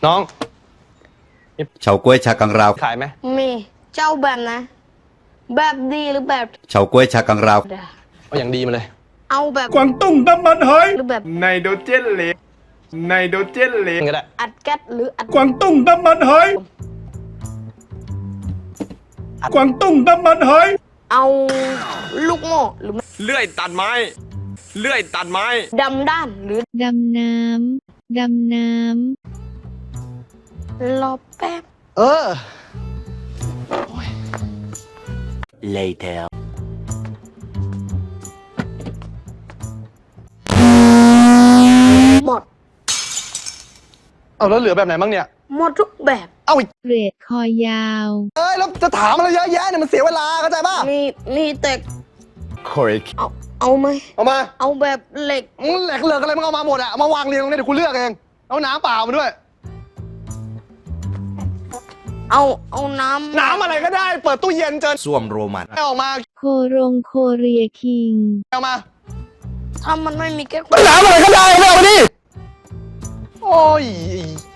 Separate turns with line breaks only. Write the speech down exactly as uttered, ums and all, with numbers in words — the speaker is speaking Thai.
น้อง
เฉาก๊วยชากังราว
ขายไหม
มีเจ้าแบบนะแบบดีหรือแบบ
เฉาก๊วยชากังราว
เอาอย่างดีมาเลย
เอาแบบ
กวางตุ้งน้ำมันหอย
หรือแบบ
ไนโตรเจนเหลวไนโตรเจนเหลว
ก็ได้
อัดแก๊สหรืออัด
กวางตุ้งน้ำมันหอยกวางตุ้งน้ำมันหอย
เอาลูกโม่หรือ
เลื่อยตัดไม้เลื่อยตัดไม้
ดำด้านหรือ
ดำน้ำ ดำน้
รอแป๊บ
เออ
later
หมด
เอาแล้วเหลือแบบไหนบ้างเนี่ย
หมดทุกแบบ
เอาอีก
ำเกรดคอยาว
เอ้ยแล้วจะถามอะไรเยอะแยะเนี่ยมันเสียเวลาเข้าใจป่ะ
มีมีแต่
correct
เอาเอาไหม
เอามา
เอาแบบเหล็ก
มึงแหลกเหลือกอะไรมึงเอามาหมดอะเอามาวางเรียงตรงนี้เดี๋ยวกูเลือกเองเอาน้ำเปล่ามาด้วย
เอาเอาน้ำ
น้ำอะไรก็ได้เปิดตู้เย็นเจอ
ส้วมโรมัน
เอาออกมา
โครงโคเรียคิง
เอามา
ถ้ามันไม่มีแก๊ส
น้ำอะไรก็ได้เอามาดิโอ้ย